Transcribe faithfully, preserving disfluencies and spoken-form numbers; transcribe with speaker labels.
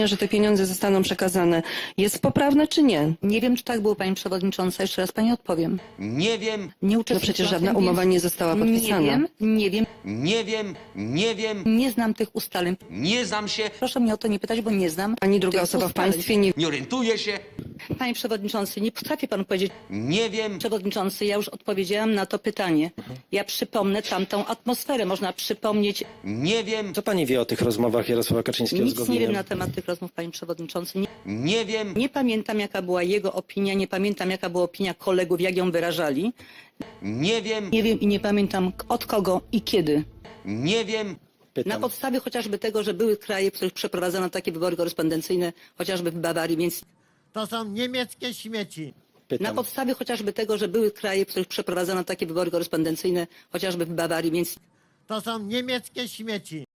Speaker 1: że te pieniądze zostaną przekazane, jest poprawne czy nie?
Speaker 2: Nie wiem, czy tak było, pani przewodnicząca. Jeszcze raz pani odpowiem.
Speaker 3: Nie wiem,
Speaker 2: Nie
Speaker 1: No
Speaker 2: uczestniczyłam
Speaker 1: przecież
Speaker 2: w
Speaker 1: żadna
Speaker 2: tym,
Speaker 1: umowa
Speaker 2: więc
Speaker 1: nie została podpisana.
Speaker 2: Nie wiem, nie wiem,
Speaker 3: nie wiem, nie wiem,
Speaker 2: nie znam tych ustaleń.
Speaker 3: nie znam się,
Speaker 2: Proszę mnie o to nie pytać, bo nie znam
Speaker 1: Ani druga
Speaker 2: tych
Speaker 1: osoba w
Speaker 2: ustaleń.
Speaker 1: państwie nie...
Speaker 3: nie orientuję się,
Speaker 2: Panie przewodniczący, nie potrafi pan powiedzieć.
Speaker 3: nie wiem,
Speaker 2: Przewodniczący, ja już odpowiedziałam na to pytanie. Ja przypomnę tamtą atmosferę. Można przypomnieć.
Speaker 3: nie wiem,
Speaker 4: Co pani wie o tych rozmowach Jarosława Kaczyńskiego z
Speaker 2: Nic nie
Speaker 4: Gowinem?
Speaker 2: wiem na temat tych rozmów, panie przewodniczący. Nie,
Speaker 3: nie wiem,
Speaker 2: nie pamiętam, jaka była jego opinia, nie pamiętam, jaka była opinia kolegów, jak ją wyrażali.
Speaker 3: nie wiem,
Speaker 2: Nie wiem i nie pamiętam od kogo i kiedy.
Speaker 3: nie wiem,
Speaker 2: Na
Speaker 4: Pytam.
Speaker 2: podstawie chociażby tego, że były kraje, w których przeprowadzono takie wybory korespondencyjne, chociażby w Bawarii, więc
Speaker 5: To są niemieckie śmieci.
Speaker 2: na
Speaker 4: Pytam.
Speaker 2: podstawie chociażby tego, że były kraje, w których przeprowadzono takie wybory korespondencyjne, chociażby w Bawarii, więc
Speaker 5: To są niemieckie śmieci.